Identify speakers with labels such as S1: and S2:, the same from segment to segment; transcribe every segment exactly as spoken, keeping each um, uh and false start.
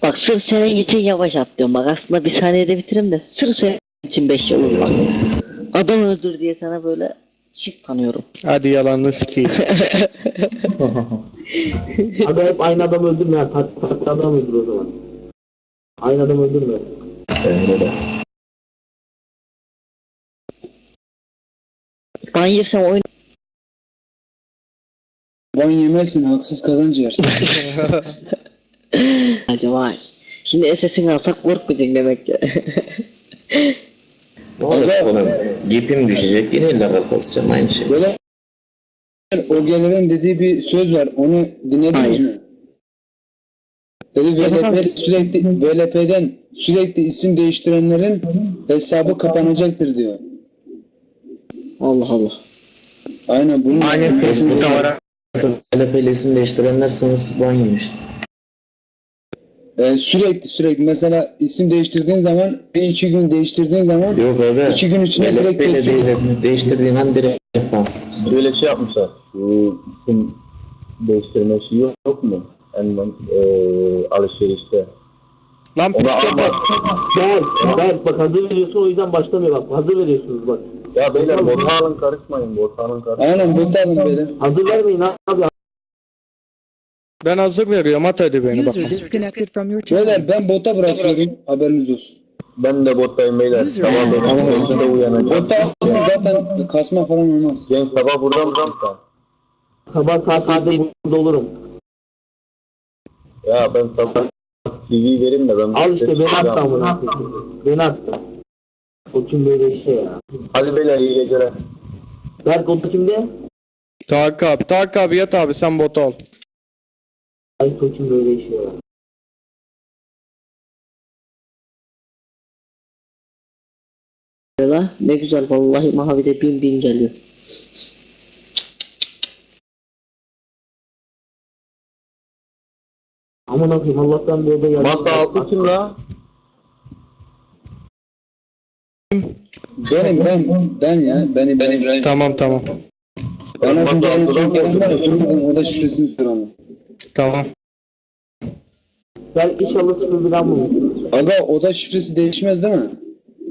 S1: bak sırf senin için yavaş atlıyorum. Bak aslında bir saniyede bitiririm de sırf senin için beş yıl oldu bak. Adam öldür diye sana böyle şık tanıyorum.
S2: Hadi yalanını sikeyim.
S3: Aga hep aynı adam öldürme ya. Farklı farklı adam öldür o zaman. Aynı adam öldürme.
S4: Bence de.
S1: Ben yersem oyun...
S5: Ban yemezsin, haksız kazanç yersin.
S1: Acaba şimdi S S'ini alsak korkmayacak demek ki.
S4: Ne olacak oğlum? Gipim düşecek yine ileride kasacağım aynı şey.
S5: Böyle o gelirin dediği bir söz var, onu dinlediniz mi? Dedi V L P sürekli V L P'den sürekli isim değiştirenlerin hesabı kapanacaktır diyor.
S1: Allah Allah.
S5: Aynen bunun
S4: Aynen
S5: kesin-
S4: Facebook'ta var. L P L isim değiştirenlersiniz ban yemiş.
S5: Ee, sürekli sürekli mesela isim değiştirdiğin zaman bir iki gün değiştirdiğin zaman
S4: Yok abi.
S5: İki gün içinde direkt
S4: L P L
S5: kesiyor.
S4: değil, değiştirdiğin an direkt ban.
S6: Böyle şey yapmışlar. Şu isim değiştirme şeyi yok, yok mu? En eee alışverişte.
S2: Lan
S6: Ona
S2: psikopat.
S3: Gel, gel bak hazır veriyorsun o yüzden başlamıyor bak. Hazır veriyorsunuz bak.
S6: Ya beyler bota alın karışmayın. Bota alın karışmayın.
S5: aynen bu alın böyle.
S3: Hazır vermeyin abi.
S2: Ben hazır veriyorum, at hadi beni bak.
S7: User disconnected from your channel.
S5: Beyler ben bota bırakıyorum, haberiniz olsun.
S6: Ben de bottayım beyler.
S7: User
S6: Sabah
S7: is-
S6: dokuz beşte uyanacağım.
S5: Bota attığınız zaten kasma falan olmaz.
S6: Cenk sabah burada mısın sen?
S3: Sabah saat sekizde burada olurum.
S6: Ya ben sabah T V vereyim de ben...
S3: Al işte beni attı amına koyayım. Beni attı. O kim böyle şey ya.
S6: Hadi beyler iyi geceler.
S3: Berk o da kimde?
S2: Tarık abi, Tarık abi yat abi, sen botu al.
S3: Ay o kim böyle şey ya.
S1: La ne güzel vallahi Mavi'de bin bin geliyor.
S3: Aman akıyım Allah'tan bir oda geldi.
S6: Masa altı kim la?
S5: Benim ben ben ya benim benim.
S2: Tamam tamam.
S5: Ben az önce en son gelen var ya durmadan oda şifresini soralım.
S2: Tamam.
S3: Berk inşallah sıfır bir almamışsın.
S5: Aga oda şifresi değişmez değil mi?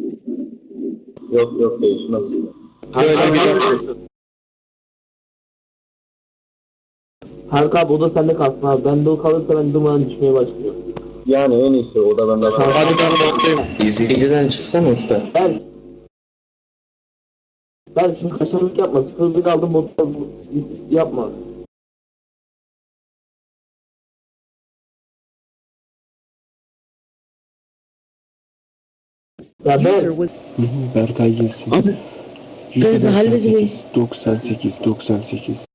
S6: Yok yok değişmez.
S2: Böyle bir dakika.
S3: Harika abi o da sende kalsın abi. Bende o kalırsa ben dumanın düşmeye başlıyor.
S6: Yani en iyisi o da bende var.
S2: Hadi ben bottayım.
S4: İzleyiciden çıksana usta.
S3: Berk. Berk şimdi kaşarlık yapma. Sıfır bir aldım botta yapma. Ya
S7: User
S3: ben
S7: was
S8: Berkay gelsin.
S1: Abi ben halledeceğim.
S8: doksan sekiz doksan sekiz